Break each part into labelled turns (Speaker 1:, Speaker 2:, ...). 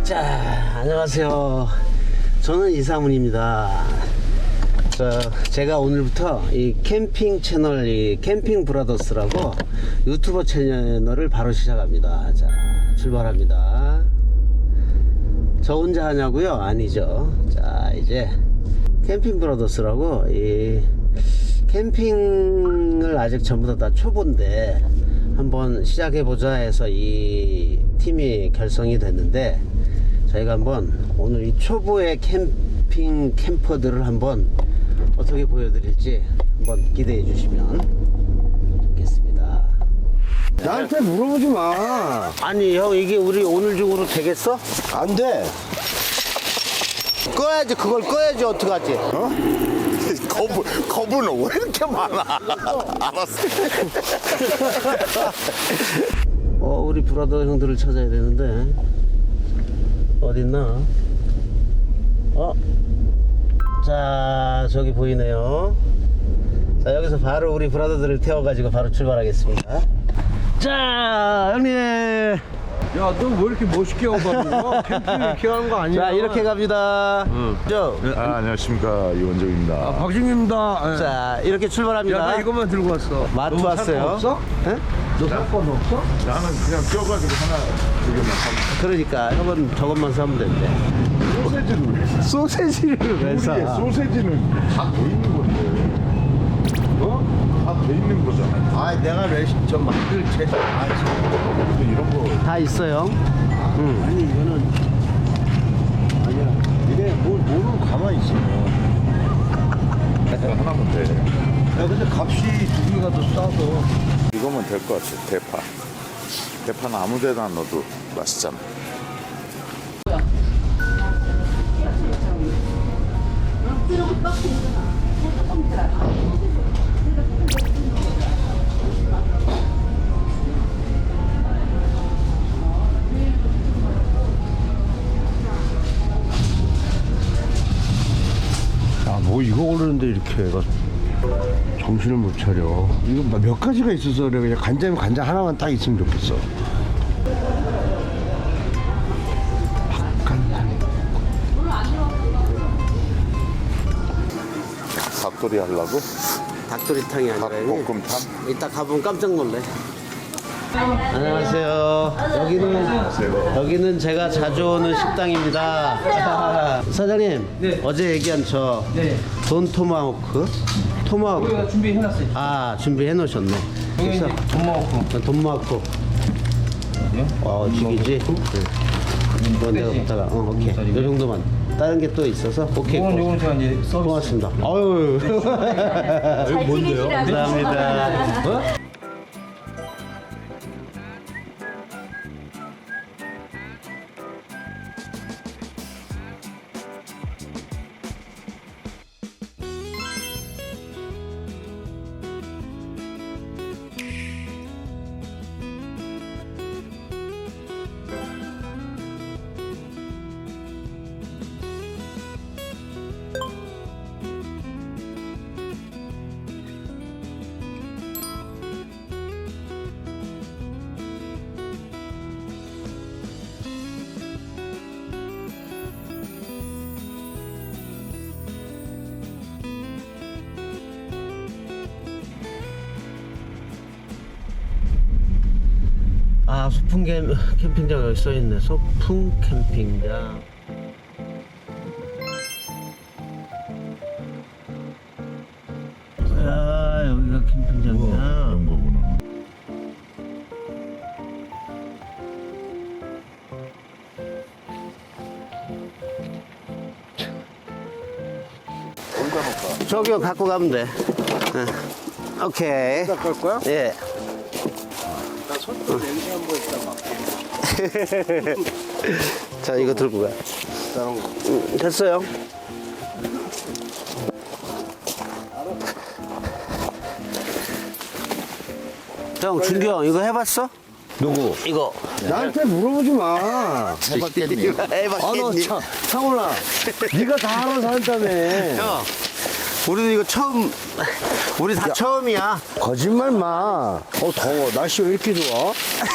Speaker 1: 자, 안녕하세요. 저는 이상훈입니다. 제가 오늘부터 이 캠핑 채널, 이 캠핑 브라더스라고 유튜버 채널을 바로 시작합니다. 자, 출발합니다. 저 혼자 하냐고요? 아니죠. 자, 이제 캠핑 브라더스라고 이 캠핑을 아직 전부 다 초보인데 한번 시작해보자 해서 이 팀이 결성이 됐는데, 저희가 한번 오늘 이 초보의 캠핑 캠퍼들을 한번 어떻게 보여드릴지 한번 기대해 주시면 좋겠습니다.
Speaker 2: 나한테 물어보지 마.
Speaker 1: 아니 형, 이게 우리 오늘 중으로 되겠어?
Speaker 2: 안 돼.
Speaker 1: 꺼야지. 그걸 꺼야지. 어떡하지?
Speaker 2: 어?
Speaker 3: 거부는 왜 이렇게 많아? 알았어.
Speaker 1: 우리 브라더 형들을 찾아야 되는데 어딨나? 자, 저기 보이네요. 자, 여기서 바로 우리 브라더들을 태워가지고 바로 출발하겠습니다. 자, 형님.
Speaker 2: 야, 너 왜 이렇게 멋있게 하고 가는 거야? 캠핑 이렇게 하는 거 아니야?
Speaker 1: 자, 이렇게 갑니다. 저.
Speaker 3: 안녕하십니까, 이원정입니다.
Speaker 2: 박준입니다.
Speaker 1: 자, 이렇게 출발합니다.
Speaker 2: 야, 나 이것만 들고 왔어.
Speaker 1: 마트
Speaker 2: 너
Speaker 1: 왔어요.
Speaker 2: 없어?
Speaker 1: 네?
Speaker 2: 너 상관 없어?
Speaker 3: 나는 그냥 껴가지고 하나 두 개만 사면.
Speaker 1: 그러니까 형은 저것만 사면 된대.
Speaker 3: 소세지는 왜?
Speaker 1: 소세지를 왜
Speaker 3: 우리의
Speaker 1: 사?
Speaker 3: 소세지는 다 돼 있는 건데. 어? 다 돼 있는 거잖아.
Speaker 2: 아, 내가 레시피 좀 만들지.
Speaker 3: 근데 이런 거
Speaker 1: 다 있어요.
Speaker 2: 아니, 이거는 아니야. 이게 모르고 가만히 있어.
Speaker 3: 하나면 돼.
Speaker 2: 야, 근데 값이 두 개가 더 싸서.
Speaker 3: 이거면 될 것 같아. 대파. 대파는 아무 데나 넣어도 맛있잖아.
Speaker 2: 야, 뭐 이거 오르는데 이렇게 해가 정신을 못 차려. 이거 몇 가지가 있어서 그래. 그냥 간장이면 간장 하나만 딱 있으면 좋겠어. 박간장.
Speaker 3: 닭도리 하려고?
Speaker 1: 닭도리탕이 아니라
Speaker 3: 닭볶음탕?
Speaker 1: 이따 가보면 깜짝 놀래. 안녕하세요. 여기는 제가 자주 오는 식당입니다. 사장님,
Speaker 4: 네.
Speaker 1: 어제 얘기한 저
Speaker 4: 네.
Speaker 1: 돈 토마호크? 토마호크.
Speaker 4: 우리가 준비해놨어요.
Speaker 1: 아, 준비해 놓으셨네.
Speaker 4: 여기 이제 돈 먹고.
Speaker 1: 돈 모았고. 죽이지? 이거 내가 갖다가, 오케이. 요 정도만. 다른 게 또 있어서, 오케이.
Speaker 4: 요거는 제가 이제 서비스.
Speaker 1: 고맙습니다. 아유.
Speaker 5: 뭔데요?
Speaker 1: 감사합니다. 아, 소풍 캠핑장 여기 써있네. 소풍 캠핑장. 아, 여기가 캠핑장이야.
Speaker 3: 그런 거구나.
Speaker 1: 저기요, 갖고 가면 돼. 오케이.
Speaker 2: 갈 거야?
Speaker 1: 예.
Speaker 2: 나 손톱 냄새 한번 있다 막.
Speaker 1: 자, 이거 들고 가.
Speaker 2: 다른 거.
Speaker 1: 됐어요. 형, 준규 형, 이거 해봤어?
Speaker 2: 누구?
Speaker 1: 이거.
Speaker 2: 나한테 물어보지 마.
Speaker 3: 해봤겠니?
Speaker 2: 아, 너 참, 상훈아. 네가 다 알아서 한다며.
Speaker 1: 형, 우리도 이거 처음, 우리 다 처음이야.
Speaker 2: 거짓말 마. 더워. 날씨 왜 이렇게 좋아?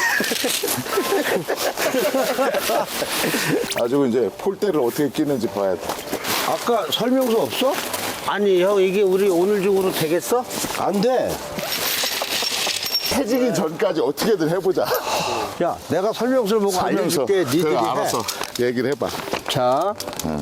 Speaker 3: 가지고 이제 폴대를 어떻게 끼는지 봐야 돼.
Speaker 2: 아까 설명서 없어?
Speaker 1: 아니, 형, 이게 우리 오늘 중으로 되겠어?
Speaker 2: 안 돼.
Speaker 3: 해지기 전까지 어떻게든 해보자.
Speaker 2: 야, 내가 설명서를 보고 알려줄게. 니들이
Speaker 3: 그래,
Speaker 2: 해.
Speaker 3: 알았어. 얘기를 해봐.
Speaker 2: 자.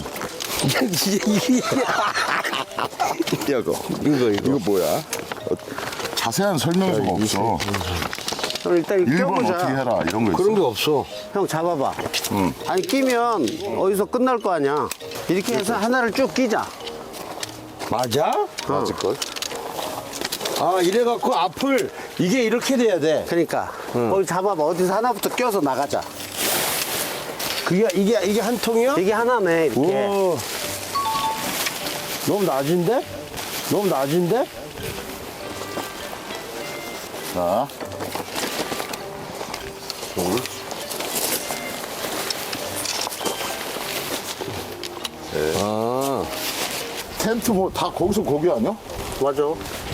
Speaker 3: 이거 뭐야? 자세한 설명서가 없어.
Speaker 1: 형, 일단 이거
Speaker 3: 1번
Speaker 1: 껴보자.
Speaker 3: 어떻게 해라 이런 거 있어.
Speaker 2: 그런 게 없어.
Speaker 1: 형, 잡아봐. 아니, 끼면 어디서 끝날 거 아니야. 이렇게 해서 하나를 쭉 끼자.
Speaker 2: 맞아?
Speaker 3: 맞을걸?
Speaker 2: 아, 이래갖고 앞을, 이게 이렇게 돼야 돼.
Speaker 1: 그러니까. 거기 잡아봐. 어디서 하나부터 껴서 나가자.
Speaker 2: 이게 한 통이야?
Speaker 1: 이게 하나네, 이렇게.
Speaker 2: 오. 너무 낮은데? 너무 낮은데?
Speaker 3: 자.
Speaker 2: 아.
Speaker 3: 텐트 뭐 다 거기서 거기 아니야?
Speaker 1: 맞아.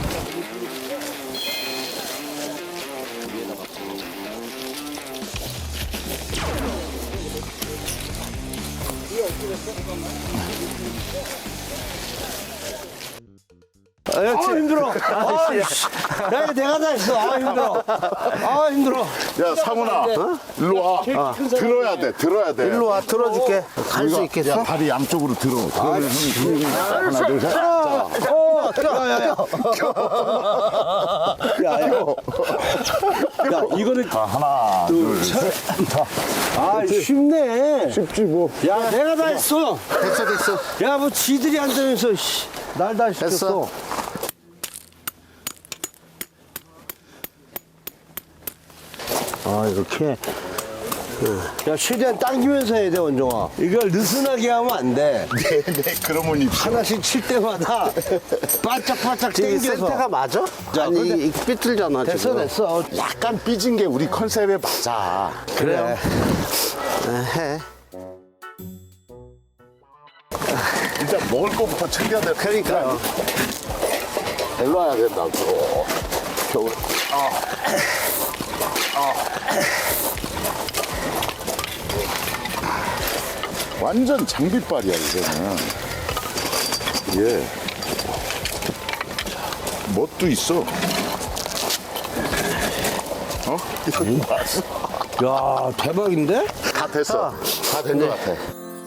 Speaker 2: 아, 힘들어. 아, 야, 이거 내가 다 했어. 아, 힘들어. 아, 힘들어.
Speaker 3: 야, 상훈아. 일로 와. 들어야 돼, 들어야 돼.
Speaker 1: 일로 와, 들어줄게. 갈 수
Speaker 3: 우리가-
Speaker 1: 있겠어?
Speaker 3: 야, 발이 양쪽으로 들어. 그러면 형이 하나, 둘, 셋.
Speaker 2: 야, 이거는.
Speaker 3: 하나, 둘, 셋.
Speaker 2: 아, 쉽네.
Speaker 3: 쉽지 뭐.
Speaker 2: 야, 내가 다 했어.
Speaker 1: 됐어.
Speaker 2: 야, 뭐 지들이 한다면서, 날 다 시켰어.
Speaker 1: 됐어.
Speaker 2: 아, 이렇게. 야, 최대한 당기면서 해야 돼, 원종아. 이걸 느슨하게 하면 안 돼.
Speaker 3: 네, 그러면 입
Speaker 2: 하나씩 칠 때마다 바짝바짝
Speaker 1: 지금 이
Speaker 2: 당겨서.
Speaker 1: 센터가 맞아?
Speaker 2: 자,
Speaker 1: 아니,
Speaker 2: 근데-
Speaker 1: 이 삐뚤잖아,
Speaker 2: 됐어,
Speaker 1: 지금.
Speaker 2: 됐어.
Speaker 3: 약간 삐진 게 우리 컨셉에 맞아.
Speaker 2: 그래.
Speaker 1: 해.
Speaker 3: 일단 먹을 거부터 챙겨야 돼.
Speaker 1: 그러니까요.
Speaker 3: 일로 와야 된다고. 겨울. 완전 장비빨이야, 이거는. 예. 멋도 있어. 어? 이거 봤어?
Speaker 2: 야, 대박인데?
Speaker 3: 다 됐어. 다 된 것 같아.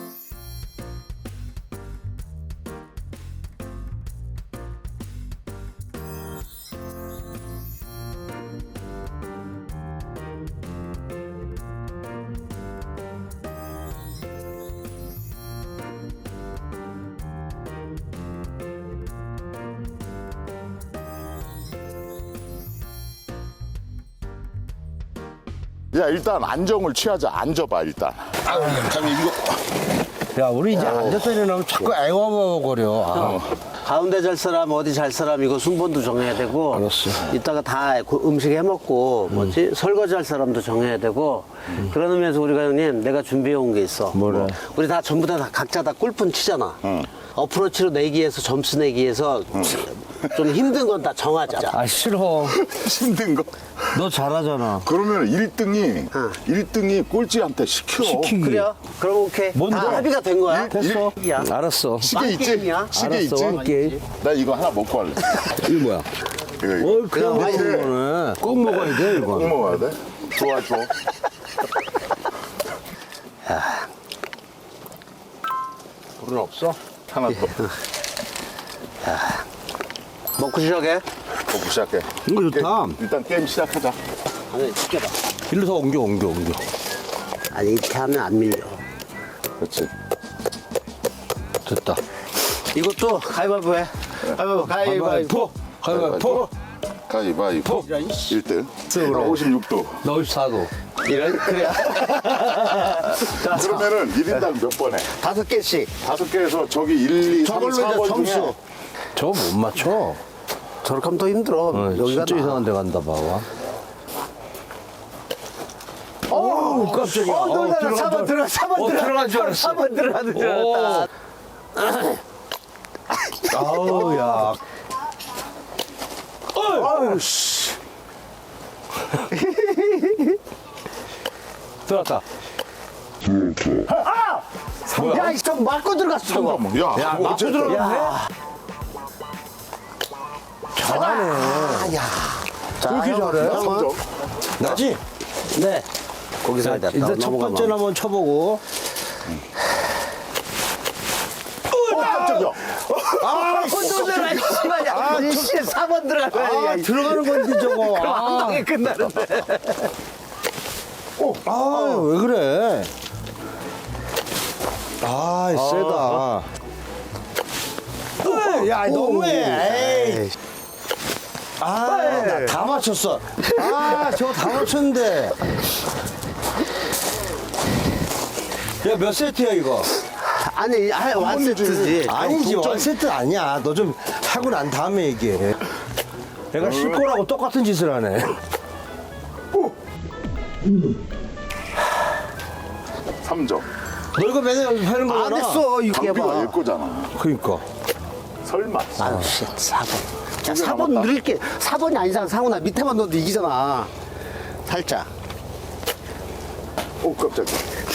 Speaker 3: 야, 일단 안정을 취하자. 앉아봐, 일단. 잠깐 이거.
Speaker 2: 야, 우리 이제 앉아서 일어나면 자꾸 애워버거려. 아.
Speaker 1: 가운데 잘 사람, 어디 잘 사람, 이거 순번도 정해야 되고.
Speaker 2: 알았어.
Speaker 1: 이따가 다 음식 해 먹고, 뭐지? 설거지 할 사람도 정해야 되고. 그런 의미에서 우리가 형님, 내가 준비해 온 게 있어.
Speaker 2: 뭐래?
Speaker 1: 우리 다 전부 다 각자 다 골프는 치잖아. 어프로치로 내기해서 점수 내기해서 좀 힘든 건 다 정하자.
Speaker 2: 아, 싫어.
Speaker 3: 힘든 거.
Speaker 2: 너 잘하잖아.
Speaker 3: 그러면 1등이 꼴찌한테 시켜.
Speaker 2: 시키기.
Speaker 1: 그래요? 그럼 오케이.
Speaker 2: 뭔데?
Speaker 1: 다 합의가 된 거야.
Speaker 2: 됐어.
Speaker 1: 야.
Speaker 2: 알았어.
Speaker 3: 시계 있지?
Speaker 1: 게임이야?
Speaker 3: 시계
Speaker 2: 알았어.
Speaker 3: 있지?
Speaker 2: 게임.
Speaker 3: 나 이거 하나 먹고 할래.
Speaker 2: 이거 뭐야?
Speaker 3: 이거.
Speaker 2: 그냥
Speaker 1: 많이
Speaker 2: 먹는 거네. 꼭 먹어야 돼,
Speaker 3: 꼭
Speaker 2: 이거.
Speaker 3: 먹어야 돼? 좋아, 좋아.
Speaker 2: 불은 없어?
Speaker 3: 하나 더.
Speaker 1: 먹고 시작해.
Speaker 3: 먹고 시작해.
Speaker 2: 이거 좋다.
Speaker 3: 일단 게임 시작하자.
Speaker 1: 아니, 시켜봐.
Speaker 2: 일로 더 옮겨.
Speaker 1: 아니, 이렇게 하면 안 밀려.
Speaker 3: 그렇지.
Speaker 2: 됐다.
Speaker 1: 이것도 가위바위보 해. 가위바위보.
Speaker 2: 가위바위보.
Speaker 3: 가위바위보. 1등. 56도.
Speaker 2: 너 54도.
Speaker 1: 이런, 그래야. 자,
Speaker 3: 그러면은 1인당 몇 번 해?
Speaker 1: 5개씩.
Speaker 3: 5개에서 저기 1, 2, 3,
Speaker 1: 저걸로 이제
Speaker 3: 4번
Speaker 1: 점수.
Speaker 3: 중에
Speaker 2: 저거 못 맞춰.
Speaker 1: 저렇게 하면 더 힘들어. 여기가
Speaker 2: 진짜
Speaker 1: 나.
Speaker 2: 이상한 데 간다, 봐봐. 어우, 깜짝이야.
Speaker 1: 들어가. 4번 들어가. 4번 들어가.
Speaker 2: 들어간 줄 알았어.
Speaker 1: 4번 들어가는 줄 알았다.
Speaker 2: 아우, 야. 아우, 씨. 들어왔다.
Speaker 1: 야, 좀 맞고 들어갔어, 저거.
Speaker 3: 야,
Speaker 2: 야, 맞고
Speaker 3: 어쨌든.
Speaker 2: 들어갔네. 잘하네.
Speaker 1: 자,
Speaker 2: 그렇게
Speaker 1: 형,
Speaker 2: 잘해?
Speaker 1: 형은?
Speaker 2: 나지?
Speaker 1: 네. 거기서 됐다.
Speaker 2: 일단 첫 번째는 한번 쳐보고.
Speaker 3: 깜짝이야.
Speaker 1: 아, 혼돈을 하시마냐. 아, 4번 들어갈 거야.
Speaker 2: 아, 들어가는 건데, 저거.
Speaker 1: 그럼 한 방에 끝나는데.
Speaker 2: 아, 왜 그래? 아, 세다. 야, 너무해. 에이. 아, 나 다 맞췄어. 아, 저거 다 맞췄는데. 야, 몇 세트야, 이거?
Speaker 1: 아니, 완세트지.
Speaker 2: 아니지, 원세트 아니야. 너 좀 하고 난 다음에 얘기해. 내가 쉴 거라고 똑같은 짓을 하네.
Speaker 3: 3점.
Speaker 2: 너 이거 맨날 연습하는 거잖아.
Speaker 1: 안 했어, 이게
Speaker 3: 장비가
Speaker 1: 봐.
Speaker 3: 얘 거잖아.
Speaker 2: 그니까.
Speaker 3: 설마.
Speaker 1: 아유, 씨, 4번. 야,
Speaker 3: 개
Speaker 1: 4번
Speaker 3: 남았다.
Speaker 1: 늘릴게. 4번이 아닌 이상 상훈아, 밑에만 넣어도 이기잖아. 살짝.
Speaker 3: 오, 깜짝이야.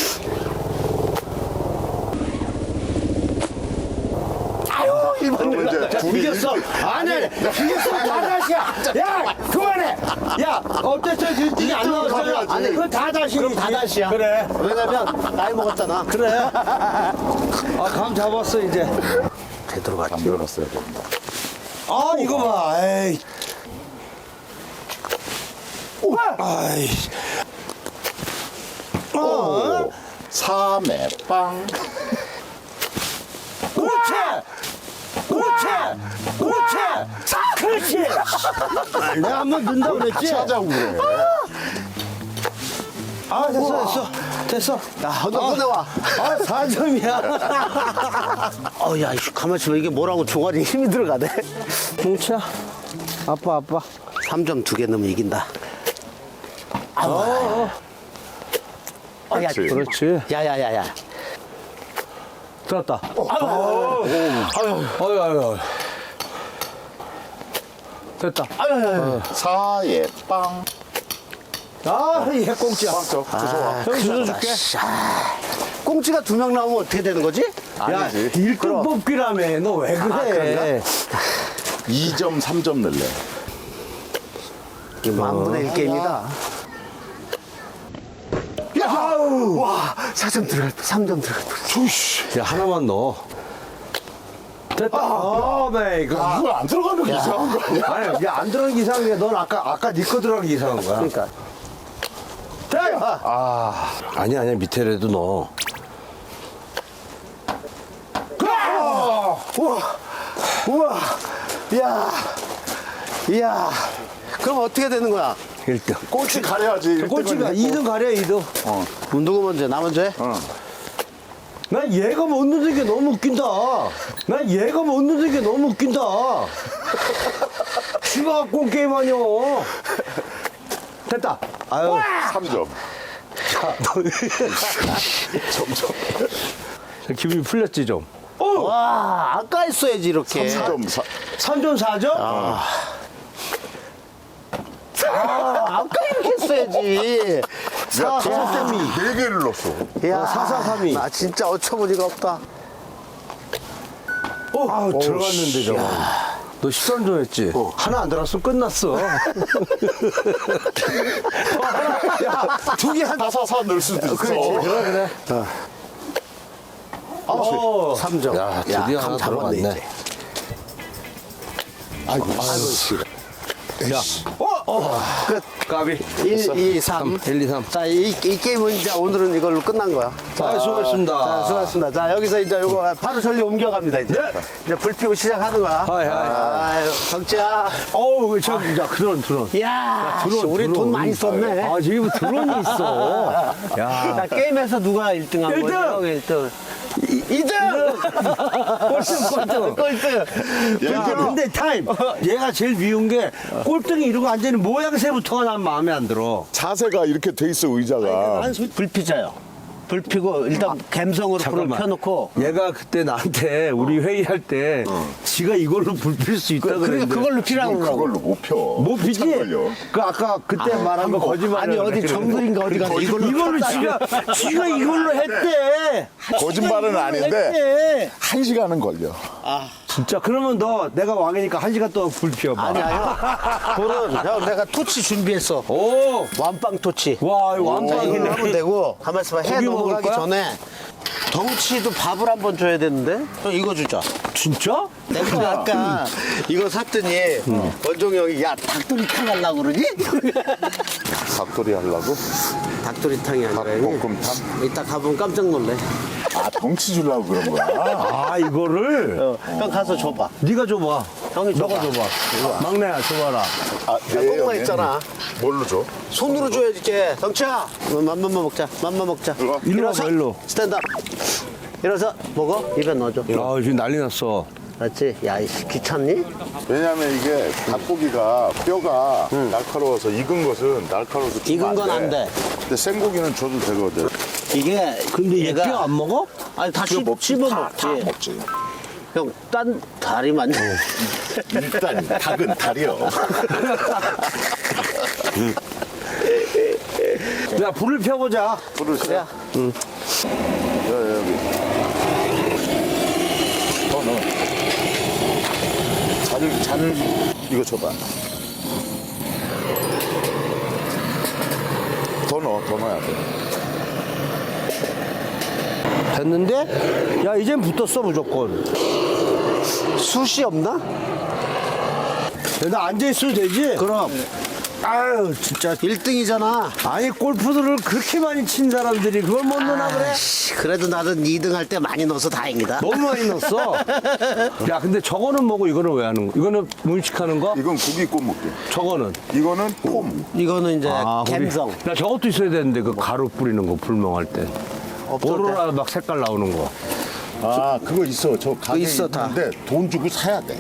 Speaker 1: 아유, 1번
Speaker 3: 그럼
Speaker 1: 늘려.
Speaker 3: 이제 둘이
Speaker 2: 이겼어. 아니, 이겼어. 다 다시야. 야, 그만해. 야, 어쨌든 1등이 안 나왔어요.
Speaker 3: 가져야지.
Speaker 2: 그건 다 다시.
Speaker 1: 그럼 다 다시야.
Speaker 2: 그래.
Speaker 1: 왜냐면, 나이 먹었잖아.
Speaker 2: 그래. 아, 감 잡았어, 이제.
Speaker 1: 되도록
Speaker 3: 안 들어갔어야 돼.
Speaker 2: 아, 이거 봐. 에이. 아이.
Speaker 3: 오. 3회 빵.
Speaker 2: 그렇지! 그렇지! 그렇지! 그렇지! 내가 한번 넣는다고 그랬지?
Speaker 3: 하자고 그래.
Speaker 2: 아, 됐어.
Speaker 1: 야, 너 꺼내와.
Speaker 2: 아, 4점이야.
Speaker 1: 야, 이씨, 가만히 있으면 이게 뭐라고 종아리 힘이 들어가네.
Speaker 2: 뭉치야. 아빠.
Speaker 1: 3점 2개 넣으면 이긴다. 야,
Speaker 3: 그렇지.
Speaker 2: 그렇지.
Speaker 1: 야야야야.
Speaker 2: 들었다. 아유. 됐다.
Speaker 3: 4회 빵.
Speaker 2: 아, 이 핵꽁치야.
Speaker 3: 빵 좋아.
Speaker 2: 형 주워줄게.
Speaker 1: 꽁치가 2명 나오면 어떻게 되는 거지?
Speaker 2: 야, 1등 뽑기라며. 너 왜 그래?
Speaker 3: 2점, 3점 넣을래.
Speaker 1: 만분의 1 게임이다. 야! 와, 4점 들어갈 뻔, 3점 들어갈 뻔.
Speaker 2: 야, 하나만 넣어. 됐다. 네, 이거.
Speaker 3: 이거 안 들어가는 게 이상한 거 아니야?
Speaker 2: 아니, 야, 안 들어간 게 이상한 게 넌 아까 네 거 들어간 게 이상한 거야.
Speaker 1: 그러니까.
Speaker 2: 아니야, 밑에라도 넣어.
Speaker 1: 우와, 이야. 그럼 어떻게 되는 거야?
Speaker 2: 1등.
Speaker 3: 꼴찌 가려야지.
Speaker 2: 꼴찌가 2등 가려, 2등.
Speaker 1: 누구 먼저? 나 먼저 해?
Speaker 2: 난 얘가 못 넣는 게 너무 웃긴다. 쥐가 갖고 온 게임 아니야. 됐다. 아유.
Speaker 3: 3점.
Speaker 2: 기분이 풀렸지, 좀.
Speaker 1: 와, 아까 했어야지, 이렇게.
Speaker 3: 3점.
Speaker 2: 3점 4점?
Speaker 1: 아까 이렇게 했어야지.
Speaker 3: 야, 4개를 넣었어.
Speaker 1: 야,
Speaker 2: 4-4-3-2.
Speaker 1: 나 진짜 어처구니가 없다.
Speaker 2: 아우, 들어갔는데, 저거. 너 13점 했지? 하나 안 들어갔으면 끝났어.
Speaker 1: 야, 2개 한.
Speaker 3: 4-4-4 넣을 수도 있어.
Speaker 2: 그래.
Speaker 1: 3점.
Speaker 2: 야, 드디어 하나
Speaker 1: 잡았네,
Speaker 2: 들어갔네.
Speaker 1: 이제.
Speaker 2: 야,
Speaker 1: 끝.
Speaker 2: 까비.
Speaker 1: 1, 2, 3.
Speaker 2: 1, 2, 3.
Speaker 1: 자, 이 게임은 이제 오늘은 이걸로 끝난 거야.
Speaker 2: 자, 수고했습니다.
Speaker 1: 자, 수고하셨습니다. 자, 여기서 이제 요거 바로 전리 옮겨갑니다, 이제. 이제 불 피고 시작하는 거야.
Speaker 2: 하이.
Speaker 1: 아유, 경치야.
Speaker 2: 어우, 야, 드론.
Speaker 1: 이야, 우리 돈 많이 썼네.
Speaker 2: 아, 지금 드론이 있어. 야.
Speaker 1: 자, 게임에서 누가 1등 한
Speaker 2: 일 등!
Speaker 1: 거예요? 1등. 2등! 꼴등!
Speaker 2: 야, 근데 타임. 얘가 제일 미운 게 꼴등이 이러고 앉아있는 모양새부터가 난 마음에 안 들어.
Speaker 3: 자세가 이렇게 돼 있어, 의자가.
Speaker 1: 불 피자요. 불 피고 일단 갬성으로 불을
Speaker 2: 잠깐만.
Speaker 1: 켜놓고.
Speaker 2: 얘가 그때 나한테 우리 회의할 때 지가 이걸로 불 필 수 있다
Speaker 1: 그러니까
Speaker 2: 그랬는데
Speaker 1: 그걸로 피라고 그러고.
Speaker 3: 그걸로 못 펴.
Speaker 2: 못 피지?
Speaker 3: 걸려.
Speaker 2: 그 아까 그때 말한 거 거짓말.
Speaker 1: 아니 어디 정글인가 어디 가서
Speaker 2: 이걸로 지가 이걸로 했대.
Speaker 3: 거짓말은 아닌데
Speaker 2: 했대.
Speaker 3: 1시간은 걸려.
Speaker 2: 진짜 그러면 너 내가 왕이니까 1시간 동안 불 피워봐.
Speaker 1: 아니야 형. 불은 형 내가 토치 준비했어.
Speaker 2: 오.
Speaker 1: 완빵 토치.
Speaker 2: 와, 이거
Speaker 1: 이걸로
Speaker 2: 완빵이네.
Speaker 1: 하면 되고 가만 있어봐. 해
Speaker 2: 고기
Speaker 1: 넘어가기
Speaker 2: 먹을 거야?
Speaker 1: 전에 덩치도 밥을 한번 줘야 되는데 형 이거 주자.
Speaker 2: 진짜?
Speaker 1: 내가 아까 이거 샀더니 원종이 형이 야 닭도리탕 하려고 그러니?
Speaker 3: 닭도리 하려고?
Speaker 1: 닭도리탕이 아니라
Speaker 3: 닭볶음탕?
Speaker 1: 이따 가보면 깜짝 놀래.
Speaker 3: 아, 덩치 주려고 그런 거야?
Speaker 2: 아, 이거를
Speaker 1: 형 가서 줘봐.
Speaker 2: 네가 줘봐.
Speaker 1: 형이
Speaker 2: 너가 줘봐. 막내야, 줘봐라.
Speaker 3: 아,
Speaker 1: 꽁만 있잖아.
Speaker 3: 뭘로 줘?
Speaker 1: 손으로 줘야지 이제. 덩치야 맘만 먹자. 맘만 먹자.
Speaker 3: 일로 와.
Speaker 2: 일로
Speaker 1: 일어서.
Speaker 2: 와봐, 일로.
Speaker 1: 스탠드업. 일어서 먹어. 입에 넣어줘.
Speaker 2: 아, 지금 난리 났어.
Speaker 1: 맞지? 야 이씨 귀찮니?
Speaker 3: 왜냐면 이게 닭고기가 뼈가 날카로워서 익은 것은 날카로워서 주면
Speaker 1: 익은 건 안 돼.
Speaker 3: 근데 생고기는 줘도 되거든.
Speaker 1: 이게
Speaker 2: 근데 얘
Speaker 1: 얘가
Speaker 2: 뼈 안 먹어?
Speaker 1: 아니 다
Speaker 3: 뼈 먹지.
Speaker 1: 씹어
Speaker 3: 다
Speaker 1: 먹지.
Speaker 3: 먹지.
Speaker 1: 형 딴 다리만.
Speaker 3: 일단 닭은 다리요.
Speaker 2: 야, 불을 펴보자.
Speaker 3: 불을 켜.
Speaker 1: 야.
Speaker 3: 여기. 더 넣어. 잔을 이거 줘봐. 더 넣어야 돼.
Speaker 2: 됐는데? 야, 이젠 붙었어, 무조건.
Speaker 1: 숯이 없나?
Speaker 2: 야, 나 앉아있어도 되지?
Speaker 1: 그럼
Speaker 2: 아유, 진짜.
Speaker 1: 1등이잖아.
Speaker 2: 아니, 골프들을 그렇게 많이 친 사람들이 그걸 못 넣나 그래?
Speaker 1: 그래도 나는 2등 할 때 많이 넣어서 다행이다.
Speaker 2: 너무 많이 넣었어. 야, 근데 저거는 뭐고 이거는 왜 하는 거? 이거는 문식하는 거?
Speaker 3: 이건 고기 구워 먹게.
Speaker 2: 저거는?
Speaker 3: 이거는 폼.
Speaker 1: 이거는 이제 갬성.
Speaker 2: 나 저것도 있어야 되는데, 그 가루 뿌리는 거, 불멍할 때.
Speaker 1: 없어도
Speaker 2: 오로라 막 색깔 나오는 거.
Speaker 3: 아, 그거 있어. 저 가게
Speaker 1: 있어, 다.
Speaker 3: 있는데 돈 주고 사야 돼.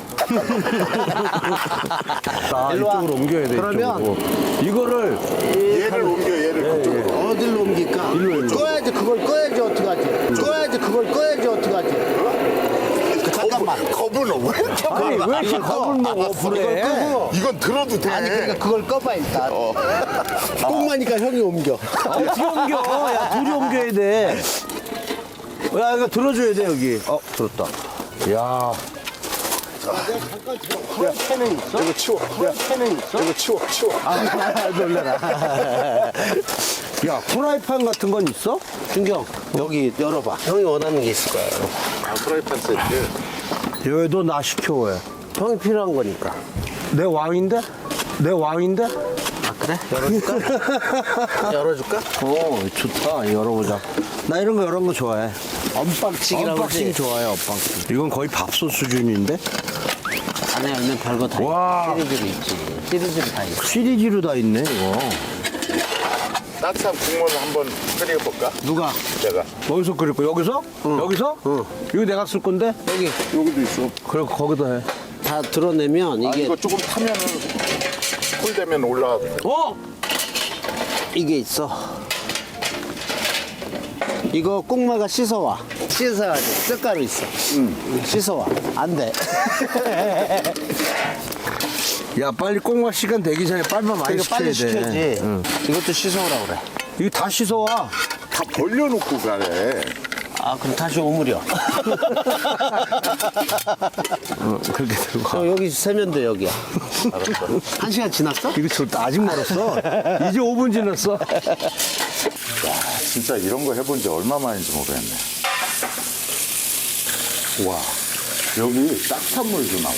Speaker 2: 아,
Speaker 1: 일로 와.
Speaker 2: 이쪽으로 옮겨야 돼,
Speaker 1: 그러면
Speaker 2: 이쪽으로. 이거를,
Speaker 3: 얘를 옮겨, 얘를 그쪽으로.
Speaker 1: 어디로 옮길까? 꺼야지 그걸 꺼야지 어떡하지? 꺼야지 그걸 꺼야지 어떡하지? 잠깐만.
Speaker 3: 겁은 왜 이렇게
Speaker 2: 아니, 왜 이렇게 겁을 먹어, 불에?
Speaker 3: 이건 들어도 돼.
Speaker 1: 아니 그러니까 그걸 꺼봐 일단. 꽁마니까 형이 옮겨.
Speaker 2: 어떻게 옮겨? 야, 둘이 옮겨야 돼. 야, 이거 들어줘야 돼, 여기. 들었다. 야.
Speaker 1: 캔은 있어?
Speaker 3: 이거 치워.
Speaker 1: 캔은 있어?
Speaker 3: 이거 치워.
Speaker 2: 놀래라. 야, 프라이팬 같은 건 있어?
Speaker 1: 준경 여기 열어봐. 형이 원하는 게 있을 거야.
Speaker 3: 아, 프라이팬 세트.
Speaker 2: 여기 너 나 시켜, 왜?
Speaker 1: 형이 필요한 거니까.
Speaker 2: 내 왕인데? 내 왕인데?
Speaker 1: 아 그래? 열어줄까? 열어줄까?
Speaker 2: 오, 좋다. 열어보자. 나 이런 거 좋아해.
Speaker 1: 언박싱이라고
Speaker 2: 언박싱
Speaker 1: 그러지?
Speaker 2: 좋아해, 언박싱. 이건 거의 밥솥 수준인데?
Speaker 1: 안에 열면 별거 다
Speaker 2: 와.
Speaker 1: 있어. 시리즈로 있지. 시리즈로 다 있어.
Speaker 2: 시리즈로 다 있네, 이거.
Speaker 3: 따뜻한 국물을 한번 끓여볼까?
Speaker 1: 누가?
Speaker 3: 내가.
Speaker 2: 어디서 끓일 거야? 여기서? 여기서? 이거 내가 쓸 건데?
Speaker 1: 여기
Speaker 3: 여기도 있어.
Speaker 2: 그래, 거기다 해.
Speaker 1: 다 드러내면
Speaker 3: 아,
Speaker 1: 이게
Speaker 3: 이거 조금 타면은 쿨 되면 올라가도 돼.
Speaker 1: 이게 있어. 이거 꽁마가 씻어와. 씻어야지. 뼈가루 있어. 씻어와. 안 돼.
Speaker 2: 야, 빨리 꽁맛 시간 되기 전에 빨리만 많이
Speaker 1: 이거
Speaker 2: 시켜야
Speaker 1: 빨리
Speaker 2: 돼.
Speaker 1: 시켜야지.
Speaker 2: 응.
Speaker 1: 이것도 씻어오라 그래.
Speaker 2: 이거 다 씻어와.
Speaker 3: 다 벌려놓고 가래.
Speaker 1: 아 그럼 다시 오므려.
Speaker 2: 그렇게 들고 가.
Speaker 1: 여기 세면 돼 여기야. 한 시간 지났어?
Speaker 2: 이거 아직 멀었어. 이제 5분 지났어.
Speaker 3: 진짜 이런 거 해본 지 얼마 만인지 모르겠네. 와, 여기 따뜻한 물도 나와.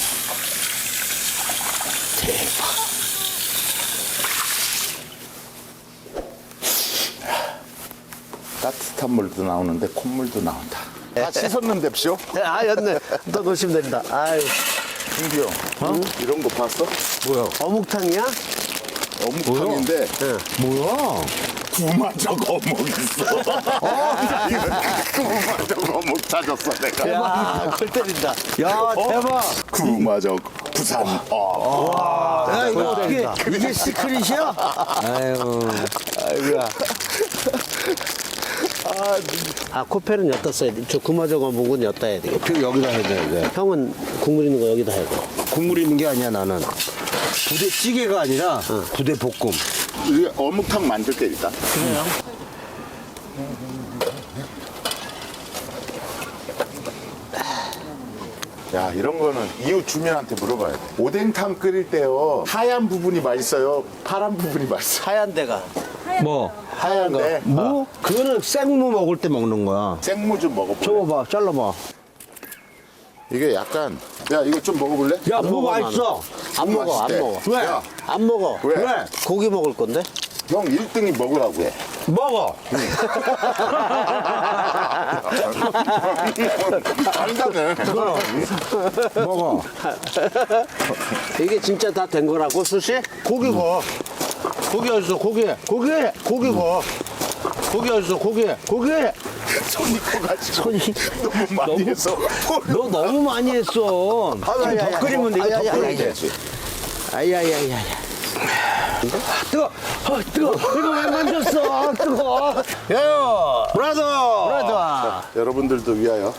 Speaker 3: 따뜻한 물도 나오는데 콧물도 나온다. 다 씻었는데쇼?
Speaker 1: 아 였네. 또 놓으시면 된다. 아유.
Speaker 3: 준기 형, 이런 거 봤어?
Speaker 2: 뭐야?
Speaker 1: 어묵탕이야?
Speaker 3: 어묵탕인데
Speaker 2: 뭐야?
Speaker 3: 구마적 어묵 있어. 구마적 어묵 찾았어 내가.
Speaker 1: 야, 골 때린다.
Speaker 2: 야, 대박.
Speaker 3: 구마적 부산.
Speaker 2: 야, 이거 어떻게, 이게 시크릿이야? 아유.
Speaker 1: 아이고야. 아, 코펠은 여기다 써야 돼. 저 구마저거 묵은 여기다 해야 되겠다.
Speaker 2: 그 여기다 해야 돼.
Speaker 1: 형은 국물 있는 거 여기다 해야 돼.
Speaker 2: 국물 있는 게 아니야 나는. 부대찌개가 아니라 부대볶음.
Speaker 3: 이게 어묵탕 만들게 일단. 야, 이런 거는 이웃 주민한테 물어봐야 돼. 오뎅탕 끓일 때요. 하얀 부분이 맛있어요? 파란 부분이 맛있어요?
Speaker 1: 하얀 데가.
Speaker 2: 뭐?
Speaker 3: 하얀데
Speaker 2: 무? 그거는 생무 먹을 때 먹는 거야.
Speaker 3: 생무 좀 먹어볼래?
Speaker 2: 줘봐, 잘라봐.
Speaker 3: 이게 약간 야 이거 좀 먹어볼래?
Speaker 2: 야,
Speaker 1: 안
Speaker 2: 무
Speaker 1: 먹어,
Speaker 2: 맛있어.
Speaker 1: 안 먹어, 안
Speaker 3: 맛있대.
Speaker 1: 먹어.
Speaker 2: 왜?
Speaker 3: 야,
Speaker 1: 안 먹어.
Speaker 3: 왜?
Speaker 2: 왜?
Speaker 1: 고기 먹을 건데?
Speaker 3: 형 1등이 먹으라고 해.
Speaker 2: 먹어.
Speaker 3: 안다네.
Speaker 2: 먹어.
Speaker 1: 이게 진짜 다 된 거라고, 수시? 고기 거. 고기 어딨어, 고기. 고기 거. 고기 어딨어, 고기.
Speaker 3: 손이 커가지고 손이 너무 많이 해서
Speaker 2: 너 너무 많이 했어. 지금 더 끓이면 돼. 이거 더 끓이면 돼.
Speaker 1: 아야야야야.
Speaker 2: 뜨거. 뜨거. 이거 왜 만졌어? 뜨거. 야, 브라더.
Speaker 3: 여러분들도 위하여.